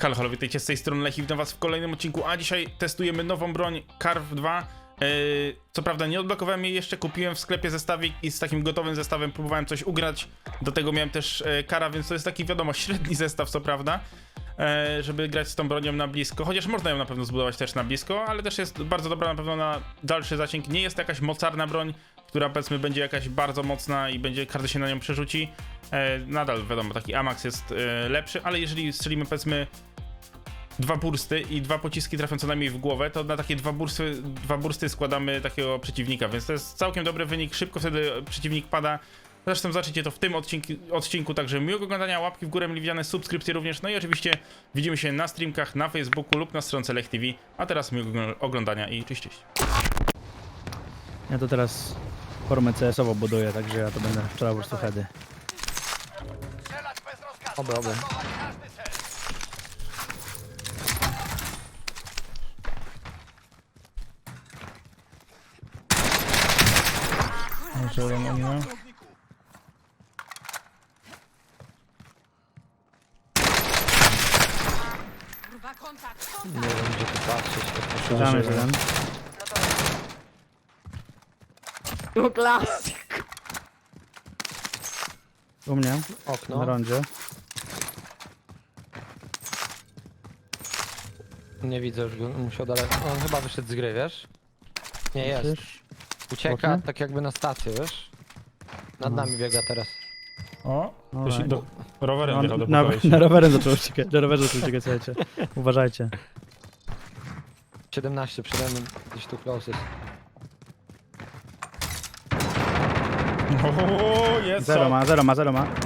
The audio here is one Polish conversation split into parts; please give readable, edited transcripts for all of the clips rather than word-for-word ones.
Halo, halo, witajcie z tej strony Lech i witam was w kolejnym odcinku, a dzisiaj testujemy nową broń Carve 2. Co prawda nie odblokowałem jej jeszcze, kupiłem w sklepie zestawik i z takim gotowym zestawem próbowałem coś ugrać. Do tego miałem też Kara, więc to jest taki, wiadomo, średni zestaw, co prawda, żeby grać z tą bronią na blisko. Chociaż można ją na pewno zbudować też na blisko, ale też jest bardzo dobra na pewno na dalszy zasięg. Nie jest to jakaś mocarna broń, która powiedzmy będzie jakaś bardzo mocna i każdy się na nią przerzuci. Nadal wiadomo, taki Amax jest lepszy, ale jeżeli strzelimy powiedzmy dwa bursty i dwa pociski trafią co najmniej w głowę, to na takie dwa bursty składamy takiego przeciwnika, więc to jest całkiem dobry wynik, szybko wtedy przeciwnik pada. Zresztą zobaczycie to w tym odcinku, także miłego oglądania, łapki w górę mile widziane, subskrypcje również, no i oczywiście widzimy się na streamkach na Facebooku lub na stronce Lech TV, a teraz miłego oglądania i cześć, cześć. Ja to teraz formę CS-ową buduję, także ja to będę strzelał po prostu heady. Oby. Nie wiem, gdzie tu patrzeć. Tam jest jeden. No klasyk. U mnie, na Okno. rondzie. Nie widzę już go, musiał daleko. On chyba wyszedł z gry, wiesz? Nie jest. Myślisz? Ucieka Okno? tak jakby na stację, wiesz? Nad No. nami biega teraz. O, Alright. rowerem wjechał do na, pokoju. na rowerem zaczął uciekać, na rowerze zaczął uciekać, słuchajcie. Uważajcie. 17 przede mną, gdzieś tu closest. O, jest Zero ma.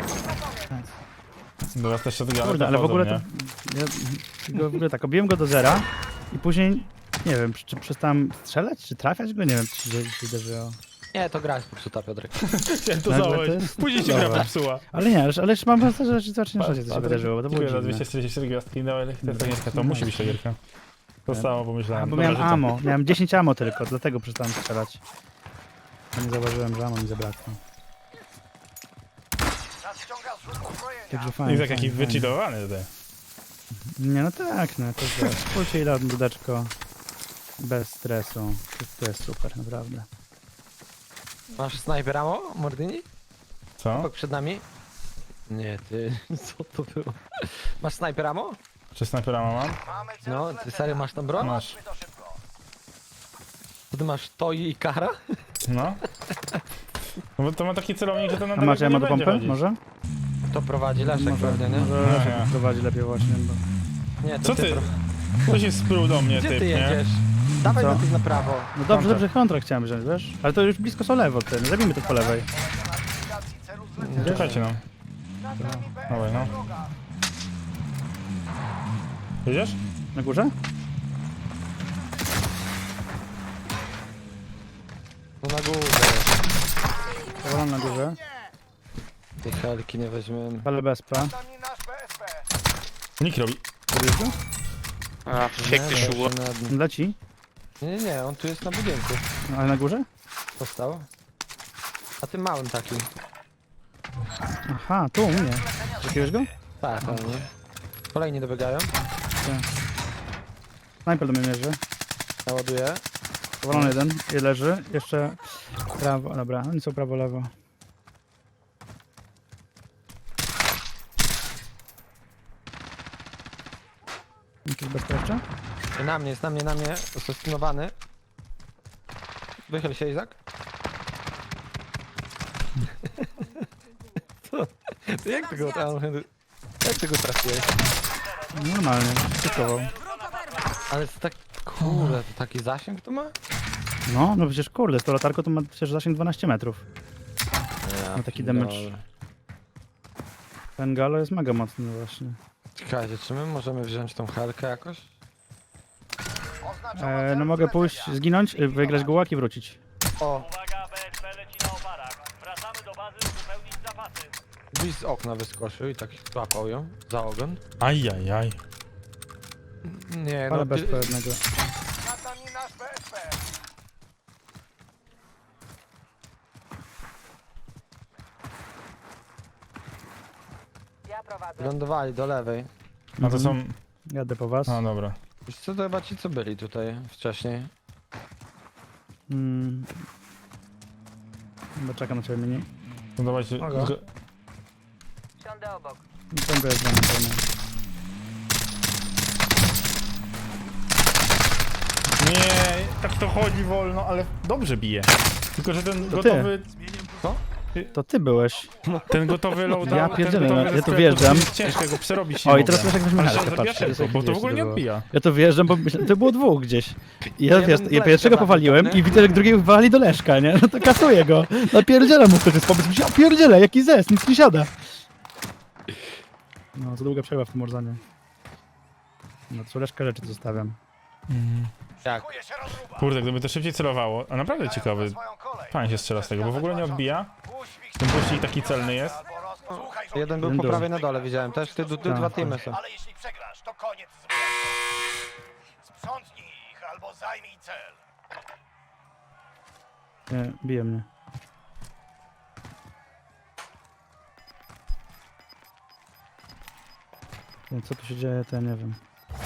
Dobra, też się zgadza. Kurde, ale w ogóle to... Ja, w ogóle tak, obiłem go do zera i później, nie wiem, czy przestałem strzelać, czy trafiać go, nie wiem, co się wydarzyło. Nie, to gra jest popsuta, Piotrek. Chciałem to Nagle założyć. to jest- Później się Dobra. gra popsuła. Ale nie, ale już mam wrażenie, że zobaczycie, co się wydarzyło, bo to było Dziękuję za dziwne. 244 gwiazdki, no ale to jest gierka, to musi być ta gierka. To samo A, pomyślałem. bo Dobra, miałem że to- ammo, miałem 10 ammo tylko, dlatego przestałem strzelać. Ja nie zauważyłem, że ammo mi zabrakło. Także fajnie. Izak jaki fajnie, fajnie. wycheatowany tutaj. Nie, no tak, no to wiesz, spójrzcie ile dudeczko bez stresu. To jest super, naprawdę. Masz snajper ammo, Mordini? Co? Obok przed nami? Nie, ty, co to było? Masz snajper ammo? Czy snajpera mam? No, ty serio masz tam broń? Masz. To ty masz Toi i Kara? No. No bo to ma taki celownik, że to na A macie daleko ammo nie do będzie pompy? chodzić. Może? To prowadzi Leszek pewnie, nie? Może Nie, Leszek nie. prowadzi lepiej właśnie, bo... Nie, to Co ty? pro- Ktoś jest sprół do mnie, Gdzie typ, ty nie? jedziesz? Dawaj Co? do tych na prawo. No dobrze, dobrze, kontrakt chciałem wziąć, wiesz? Ale to już blisko są lewo, ty, no zabijmy to po lewej. Czekajcie no. Dawaj, no. Jedziesz? Na górze? No na górze. Powolę na górze. Tej helki nie weźmiemy. Ale bezpa. Nikt robi. Robisz go? Fick ty siło. Leci? Nie, on tu jest na budynku. No, ale na górze? Postał. A tym małym takim. Aha, tu u mnie. Jakiegoś go? Tak, ale nie. Kolejni dobiegają. Snajper do mnie mierzy. Naładuję. Powolony jeden. I leży. Jeszcze prawo, dobra. Oni są prawo, lewo. Jakiś bezpieczny? Na mnie, jest na mnie. Zostawinowany. Wychyl się, Izak. Co? To jak tego tam... Jak tego trafiłeś? Normalnie. Cykował. Ale to tak... Kurde, to taki zasięg to ma? No, no przecież kurde, z tą latarką to ma przecież zasięg 12 metrów. Ja taki damage. Ten galo jest mega mocny właśnie. Czekajcie, czy my możemy wziąć tą helkę jakoś? No mogę pójść, zginąć, wygrać gułak i wrócić. O, Uwaga, BSP leci na oparach. Wracamy do bazy uzupełnić zapasy. gdzieś z okna wyskoczył i tak złapał ją za ogon. Ajajaj. Nie, Ale no bez ty, pewnego. lądowali do lewej. No to są... Jadę po was. A, dobra. Wiesz co, to chyba ci co byli tutaj wcześniej. Chyba czekam na ciebie, mini. No dawajcie. Mogę. Siądę obok. Ten jest dla mnie pełny. Nie, tak to chodzi wolno, ale dobrze bije. Tylko, że ten To ty. gotowy... To ty byłeś. Ten gotowy loadout... Ja ten pierdzielę, gotowy ja ze tu sklepu, wjeżdżam. to jest ciężko, go przerobić nie O, i mogę. teraz wiesz, jak weźmy Ale helkę, zabija patrz. szybko, bo to w ogóle nie odbija. Ja to wjeżdżam, bo to było dwóch gdzieś. I ja, Jeden wiesz, ja flash pierwszego chyba powaliłem tylko, nie? i widzę, jak drugiego wywali do Leszka, nie? No to kasuję go. Napierdzielam mu ktoś z pomysł. Myślę, o pierdziele, jaki zes, nic nie siada. No, za długa przerwa w tym Warzone. No, co Leszka rzeczy zostawiam. Jak? Kurde, gdyby to szybciej celowało, a naprawdę ciekawy. Fajnie się strzela z tego, bo w ogóle nie odbija. Ten pościg taki celny jest. Jeden był Jeden po dół. prawej na dole, widziałem też. Ty Tak. dwa teamy są. Ale jeśli przegrasz, to koniec z wyjazdem. Sprzątnij ich albo zajmij cel. Nie, bije mnie. Nie, co tu się dzieje, to ja nie wiem.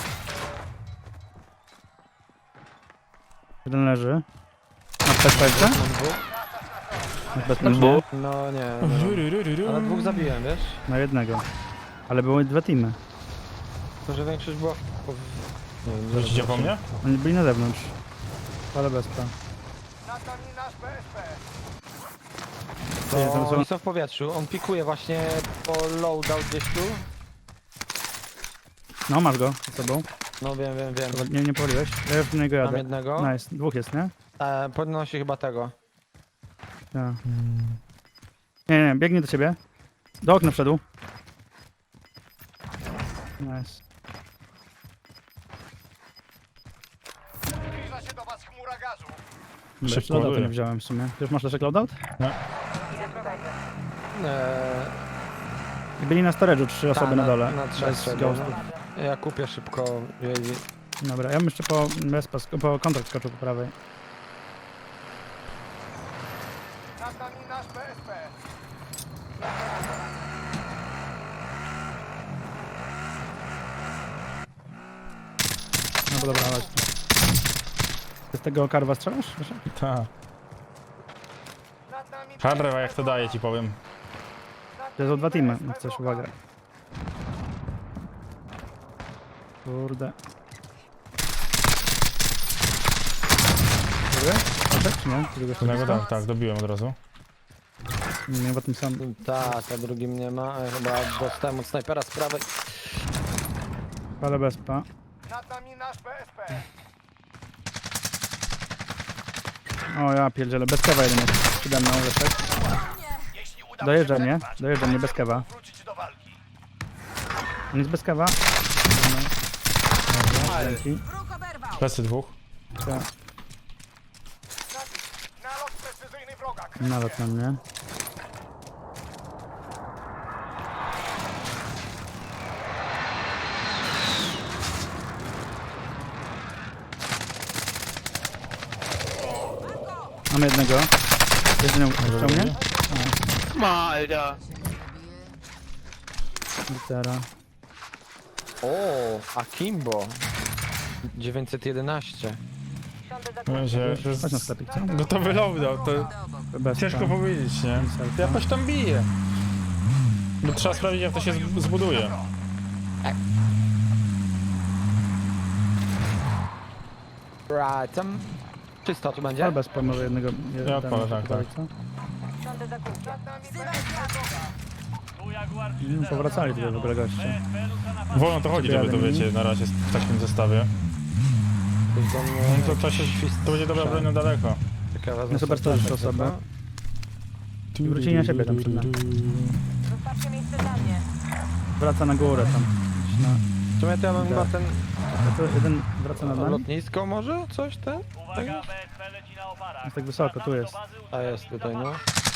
Jeden leży. Na bezpeczce? Mam dwóch? Na bezpeczce? No nie, no. Ale dwóch zabiłem, wiesz? Na jednego. Ale były dwa teamy. To, że większość była... Nie wiem, Wrócicie po mnie? Oni byli na zewnątrz. Ale bezpa. Nad nami nasz PSP. Nie, tam To są- oni są w powietrzu. On pikuje właśnie po loadout gdzieś tu. No, masz go z sobą. No wiem. Nie powaliłeś. Ja już do niego Mam jadę. jednego. Nice. Dwóch jest, nie? Podnosi chyba tego. Ja. Nie, biegnie do ciebie. Do okna wszedł. Nice. Zbliża się do was chmura gazu. Bez Szybko loadoutu ładuje. nie wziąłem w sumie. Ty już masz leszek loadout? I byli na storage'u 3 osoby na dole. Na trzech Bez trzeba, ghostów. no. Ja kupię szybko. Dobra, ja bym jeszcze po kontrakt skoczył po prawej. Nad nami nasz PSP. No bo dobra, chodź. Ty z tego karwa strzelasz? Leszek? Tak. Nad nami Hardrewa jak to daje, ci powiem. To są dwa teamy, jak coś, uwaga. Kurde. Dobry? Leszek, czy nie? Któregoś tu Jednego blisko? tak, dobiłem od razu. Nie, bo tym sam. Tak, a drugim nie ma. Chyba dostałem od snajpera z prawej. Ale bezpa. Nad nami nasz PSP. O ja pierdzielę, bez kawa jeden jest. Przede mną Leszek. Jeśli uda Dojeżdża się mnie, przetrwać, dojeżdża mnie bez kawa. wrócić do walki. On jest bez kawa. Dzięki. Plecy dwóch. Nalot precyzyjny wroga. Nalot na mnie. Mam jednego. Jeden chciał mnie? Litera. O, Akimbo. 911. Siądę za Mówię, że jest Chodź na sklepik, co? gotowy loadout, to Bez ciężko powiedzieć, nie? Jakoś tam bije. Bo trzeba sprawdzić, jak to się zbuduje. Right, tam... Czysto tu będzie? Ale bez może jednego. Ja odpalę, tak, tak. Co? siądę za kółkiem. Tu Jaguar No, powracali tutaj w ogóle goście. PSP rusza na Wolno to chodzi, żeby to wiecie, na razie w takim zestawie. Ktoś do mnie... To będzie dobra broń na daleko. Ciekawe, No super, to już osoba. I wrócili na siebie tam przed nami. Zostawcie miejsce dla mnie. Wraca na górę tam. Gdzieś na... W sumie to ja mam chyba ten... To jeden wraca nad nami? Lotnisko może? Coś ten? Uwaga, PSP leci na oparach. Jest tak wysoko, tu jest. A jest tutaj, no.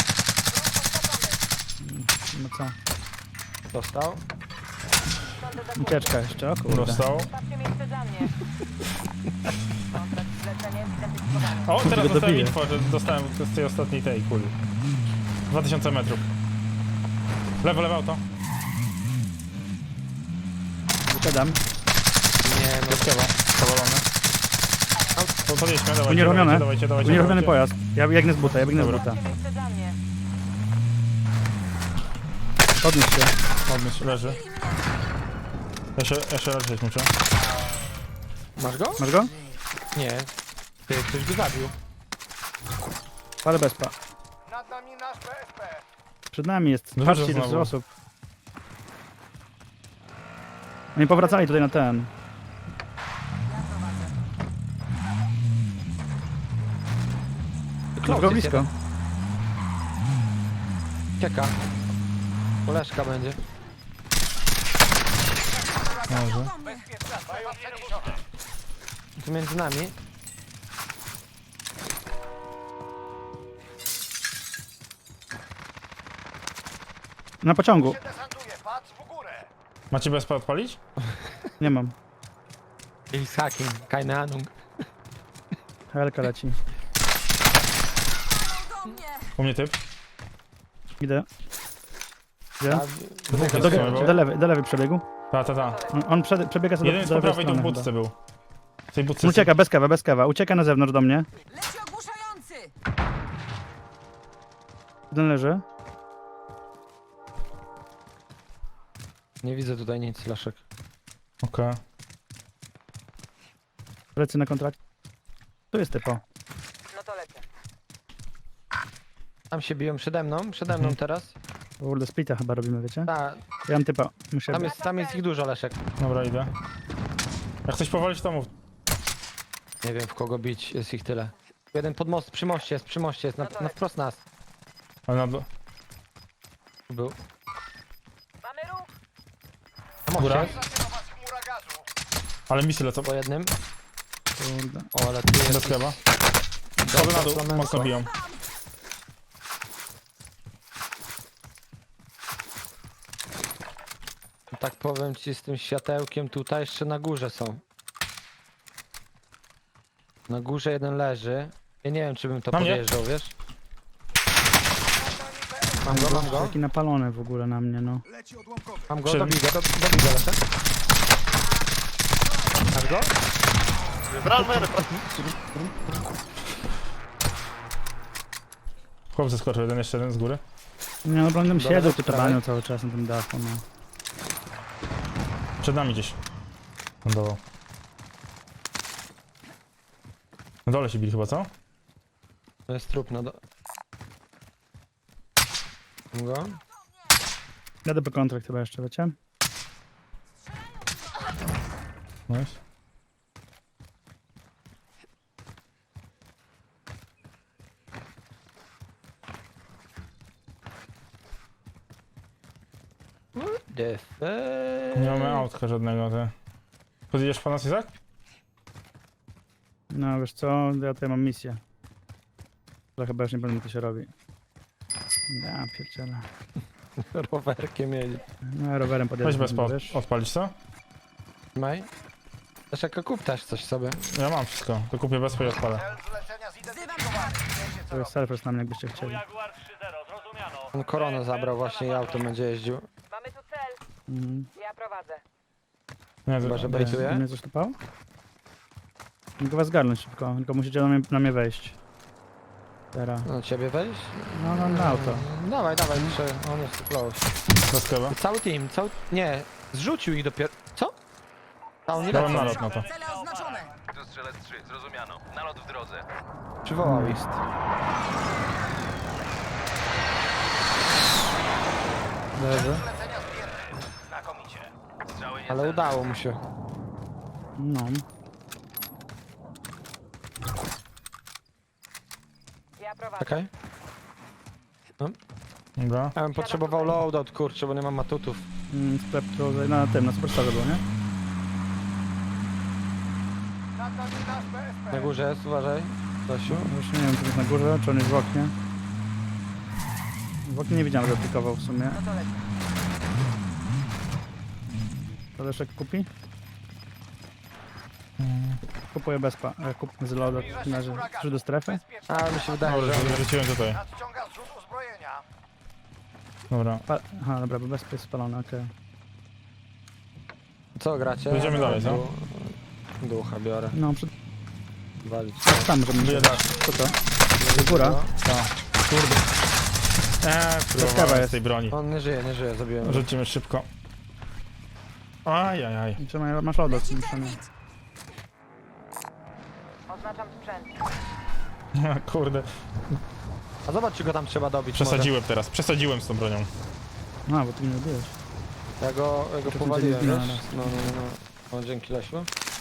No co? Dostał. Siądę za kółkiem. Ucieczka jeszcze, o kurde. Dostał. Zostawcie miejsce dla mnie. Kontrakt zlecenie zidentyfikowany. O, teraz Go dostałem dobiję. info, że dostałem z tej ostatniej tej kuli. 2000 metrów. Lewo auto. Wysiadam. Nie, no Bezkewa, powalony. To podjedźmy, dawajcie, Unieruchomione. dawajcie. Unieruchomiony pojazd. Ja biegnę z buta, ja biegnę z Dobra. buta. Miejsce dla mnie. Podnieś się. Podnieś, leży. Ja się leczyć muszę. masz go? Masz go? Nie. Ty, ktoś go zabił. Palę bezpa. Nad nami nasz BSP. Przed nami jest. No Patrzcie, dużo ile znowu. osób. Oni powracali tutaj na ten. Masz go blisko. Cieka. Koleżka będzie. Może. Bezpieczna strefa przeniesiona. Tu między nami. Na pociągu. Się desantuje, patrz w górę. Macie bezpa odpalić? Nie mam. I z hacking. Keine Ahnung. Helka leci. U mnie typ. Idę. Gdzie? Dwóch Do, jest w sumie, bo- do lewej przebiegu. Ta. On przebiega sobie Jeden jest do po lewej prawej, tu w strony budce chyba. był. W tej budce Ucieka, bez kewa. Ucieka na zewnątrz do mnie. Leci ogłuszający! Jeden leży. Nie widzę tutaj nic, Leszek. Okej. Lecę na kontrakt. Tu jest typo. No to lecę. Tam się biją przede mną teraz. Kurde, splita chyba robimy, wiecie? Ta, Ja mam typa. Muszę... tam jest ich dużo, Leszek. Dobra, idę. Jak chcesz powalić, to mów. Nie wiem w kogo bić, jest ich tyle. Jeden pod most, przy moście jest, na wprost nas. Ale na... Tu był. Mamy ruch! Na moście Góra? jest, Zaczyna was chmura gazu. Ale misy lecą. po jednym. Kurde. O, ale tu jest... Bez chleba. Schody na dół, flamenco. mocno biją. Tak powiem ci, z tym światełkiem tutaj jeszcze na górze są. Na górze jeden leży. Ja nie wiem, czy bym to Na mnie? podjeżdżał, wiesz? Mam go. Taki napalony w ogóle na mnie, no. Leci odłamkowy. Mam go, Przy- dobij go, Leszek. Masz go? Chłop zeskoczył, jeszcze jeden z góry. Nie, no będę Dobra, siedział tu prawej. tabanią cały czas na tym dachu, no. Przed nami gdzieś. Lądował. Na dole się bili chyba, co? To jest trup na do... Mam go? Jadę po kontrakt chyba jeszcze, wiecie? Nice. The Nie mamy autka żadnego, ty. Podjedziesz po nas, Izak? No wiesz co, ja tutaj mam misję. To chyba już nie będę to się robi. Ja pierdzielę. rowerkiem jedzie. No rowerem podjadę. Weź bez wiesz? odpalić, co? Maj? Leszek, kup też coś sobie. Ja mam wszystko, to kupię bezpo i odpalę. Cel zlecenia zidentyfikowany. Wiecie co To jest selfers na mnie, jakbyście chcieli. Jaguar 3-0, zrozumiano. On koronę zabrał właśnie i auto będzie jeździł. Mamy tu cel. Mhm. Ja prowadzę. Nie, Chyba, to... że Mnie bejtuje. coś tupało? Mogę was zgarnąć szybko, tylko musicie na mnie wejść. Teraz. No ciebie wejść? No, na auto. Dawaj, muszę. On jest close. Bez chleba. Cały team, Nie, zrzucił ich dopiero. Co? A on nie Dałem lecą. nalot na to. Cele oznaczone. Tu strzelec 3, zrozumiano. Nalot w drodze. Przywołał ich. Leży. zlecenia zbierne. Znakomicie. Strzały nie Ale udało mu się. No. Ja prowadzę. Czekaj. Dobra. Ja bym potrzebował loadout, kurczę, bo nie mam matutów. Sklep tu na tym, na Superstarze był, nie? Nad nami nasz BSP. Na górze jest, uważaj. Dosiu. No, już nie wiem, czy jest na górze, czy on jest w oknie. W oknie nie widziałem, że aplikował w sumie. No to lecę. To Leszek kupi? Kupuję bezpa. Kup z loadout. Czy do strefy? A, mi się wydaje, Dobra, że... wróciłem tutaj. Nadciąga zrzut uzbrojenia. Dobra. Aha, dobra, bo bezpa jest spalony, okej. Co gracie? Będziemy dalej, co? Ducha biorę. No, przed... Walić. tam możemy Bije iść. tak. Co to? Góra? Kurde. Próbowałem jest. z tej broni. On nie żyje, zabiłem go. Rzucimy szybko. Ajajaj. Trzymaj, masz lodo. Oznaczam sprzęt. Kurde. A zobacz, czy go tam trzeba dobić. Przesadziłem teraz. Przesadziłem z tą bronią. No, bo ty mnie robiłeś. Może. Ja go To powaliłem, będzie wiesz? zginął No. O, dzięki Lesiu.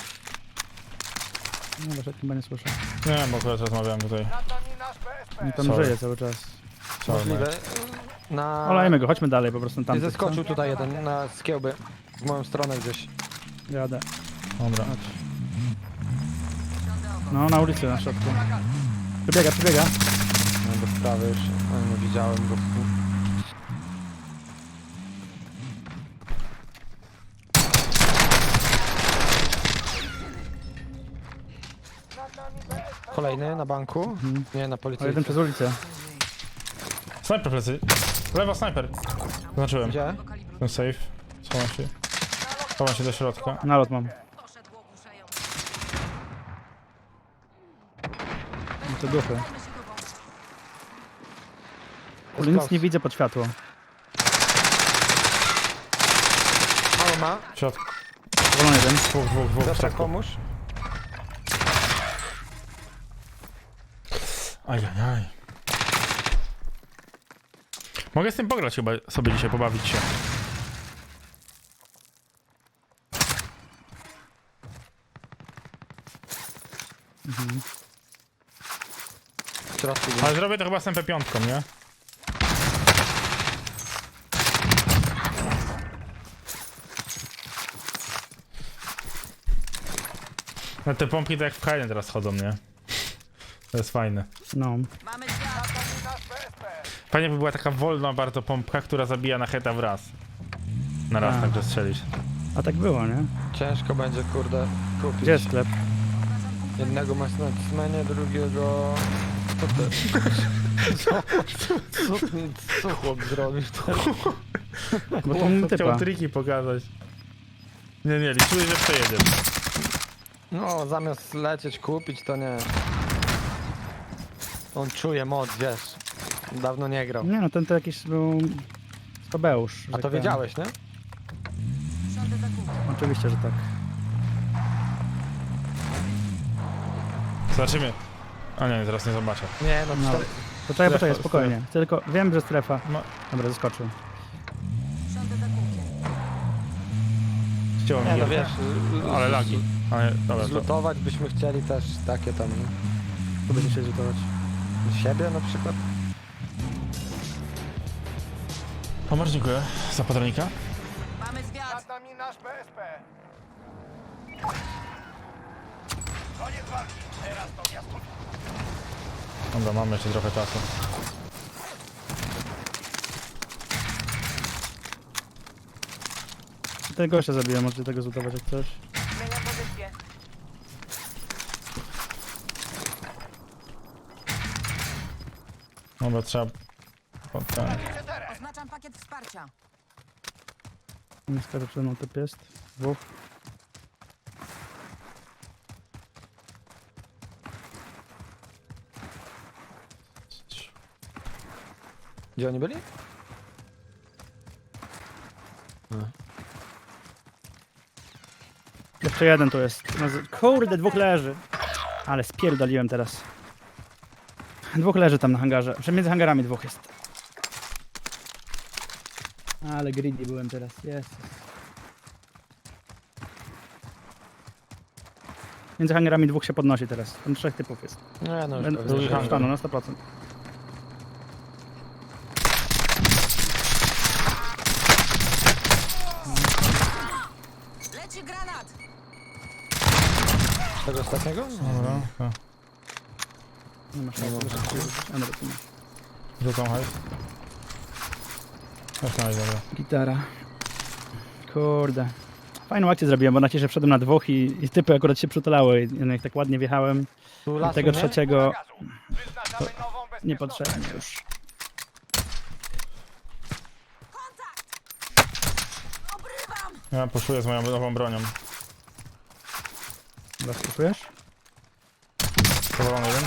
No, bo chyba nie słyszę. Nie, bo akurat rozmawiałem tutaj. Nad nami nasz BSP. On tam Sorry. żyje cały czas. Możliwe. Na... Olejmy go, chodźmy dalej po prostu tam. I zeskoczył tutaj jeden na skiełby. W moją stronę gdzieś. Jadę. Dobra. No, na ulicy, na środku. Przebiega. No, do prawej już. Nie widziałem go. Kolejny na banku. Nie, na O, policji. jeden przez ulicę. Snajper plecy. Lewa snajper. Zaznaczyłem. Gdzie? Ten safe. Schowam się. Schowam się do środka. Nalot mam. No to duchy. Ale nic nie widzę pod światło. Mało ma. W środku. Wolony jeden. Dwóch w Piotrek, środku. pomóż. Ajajaj. Mogę z tym pograć chyba sobie dzisiaj, pobawić się. W środku. Ale zrobię to chyba z MP5, nie? No te pompki to jak w Kaiden teraz chodzą, nie? To jest fajne. No. Fajnie by była taka wolna bardzo pompka, która zabija na heta w raz. Na raz A. także strzelić. A tak było, nie? Ciężko będzie, kurde, kupić. Gdzie jest sklep? Jednego masz na cmenie, drugiego... Co ty? Co chłop zrobił? Bo to mu typa. Chciał triki pokazać. Nie, liczyłem, że przejedziesz. No, zamiast lecieć, kupić, to nie. On czuje moc, wiesz. Dawno nie grał. Nie no, ten to jakiś był... Skobeusz. A to wiedziałeś, nie? Oczywiście, że tak. Zobaczymy. A nie, teraz nie zobaczę. Nie, no, No. cztery... Poczekaj, spokojnie. Chcę tylko... Wiem, że strefa. No. Dobra, zaskoczył. Chciałem Nie, no wiesz. Ale lagi. Ale dobra, to... Zlutować byśmy chcieli też takie tam, nie? Tu będzie się zlutować. Siebie na przykład. O, bardzo dziękuję za patronika. Nad nami nasz BSP. Koniec walki. Teraz to miasto. Dobra, mamy jeszcze trochę czasu. Tego gościa zabiłem, możecie tego zlutować jak coś. Zmieniam pozycję. Dobra, trzeba... Ten. Oznaczam pakiet wsparcia. Niestety przede mną typ jest. Dwóch. Gdzie oni byli? Jeszcze jeden tu jest. Kurde, dwóch leży. Ale spierdoliłem teraz. Dwóch leży tam na hangarze. Przecież między hangarami dwóch jest. Ale greedy byłem teraz. Jest. Między hangarami dwóch się podnosi teraz. Tam trzech typów jest. Nie, no już Będę pewnie, że- wstaną na 100%. Leci granat! Tego ostatniego? Dobra, to... Nie masz szans, że się Rzucam hajs. Już na dobra. Gitara. Kurde. Fajną akcję zrobiłem, bo na ciebie wszedłem na dwóch i typy akurat się przytulały. I jak tak ładnie wjechałem. Tu I lasu, tego nie? trzeciego Wyznaczamy nową bezpieczną. niepotrzebnie już. Obrywam! Ja poszuję z moją nową bronią. Zaskakujesz? Powolony jeden.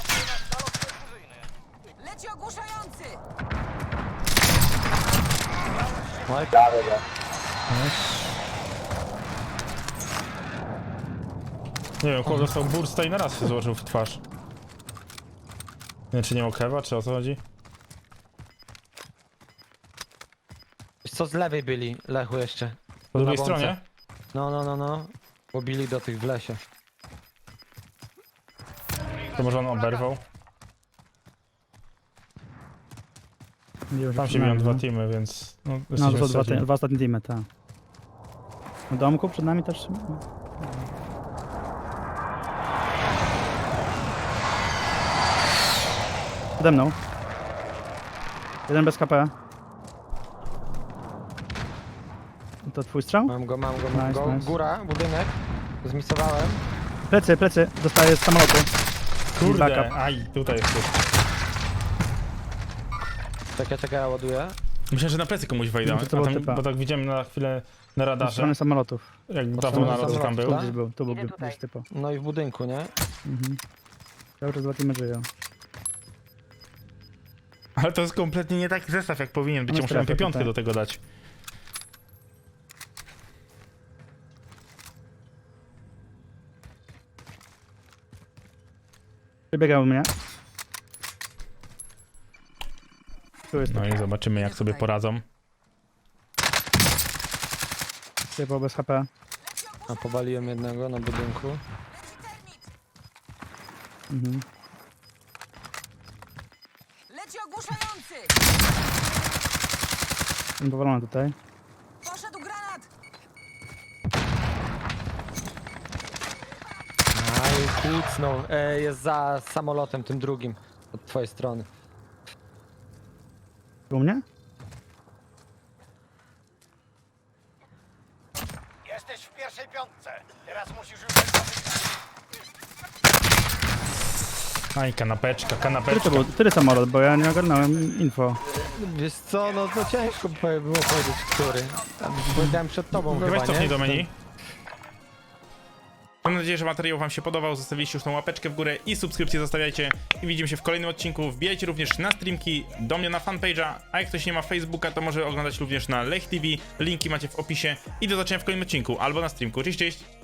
Leci ogłuszający! Oj, Nie wiem, kogo dostał bursta i na raz się złożył w twarz. Nie, czy nie o kewa, czy o co chodzi? wiesz co, z lewej byli, Lechu jeszcze. Po drugiej Na bące. stronie? No. Bo bili do tych w lesie. To może on oberwał? Nie, Tam się biją dwa teamy, więc... No, No jesteśmy to są trzeci. dwa ostatnie teamy, tak. Na domku przed nami też... Przede mną. Jeden bez KP. To twój strzał? Mam go. Nice, nice. Góra, budynek. Zmisowałem. Plecy, dostaję z samolotu. Kurde, Backup. aj, tutaj jest. Czekaj, ja ładuję. Myślę, że na plecy komuś wejdę, No to to a był tam, typa. bo tak widziałem na chwilę na Z radarze, strony samolotów. jak Po dawno stronie naród tam samolotu, był. tak? Gdzieś był, tu był Idę tutaj. gdzieś typo. No i w budynku, nie? Mhm. Cały czas dwa teamy żyją. Ale to jest kompletnie nie taki zestaw, jak powinien być. No Ja muszę strefę MP5 tutaj. do tego dać. Przebiegał mnie. Tu jest No i zobaczymy, jak sobie poradzą. typo bez HP. A powaliłem jednego na budynku. Mhm. Leci ogłuszający! Jestem powalony tutaj. Poszedł granat! Aj, kucnął. Jest za samolotem tym drugim. Od twojej strony. U mnie? Jesteś w pierwszej piątce. Teraz musisz już wygrać. Aj, kanapeczka, Który to kanapeczka. był? Który samolot? Bo ja nie ogarnąłem info. Wiesz co, no to ciężko było powiedzieć, który. Powiedziałem przed tobą Weź chyba, cofnij nie? do menu. Mam nadzieję, że materiał wam się podobał. Zostawiliście już tą łapeczkę w górę i subskrypcję zostawiajcie. I widzimy się w kolejnym odcinku. Wbijajcie również na streamki, do mnie na fanpage'a. A jak ktoś nie ma Facebooka, to może oglądać również na Lech TV. Linki macie w opisie. I do zobaczenia w kolejnym odcinku albo na streamku. Cześć, cześć!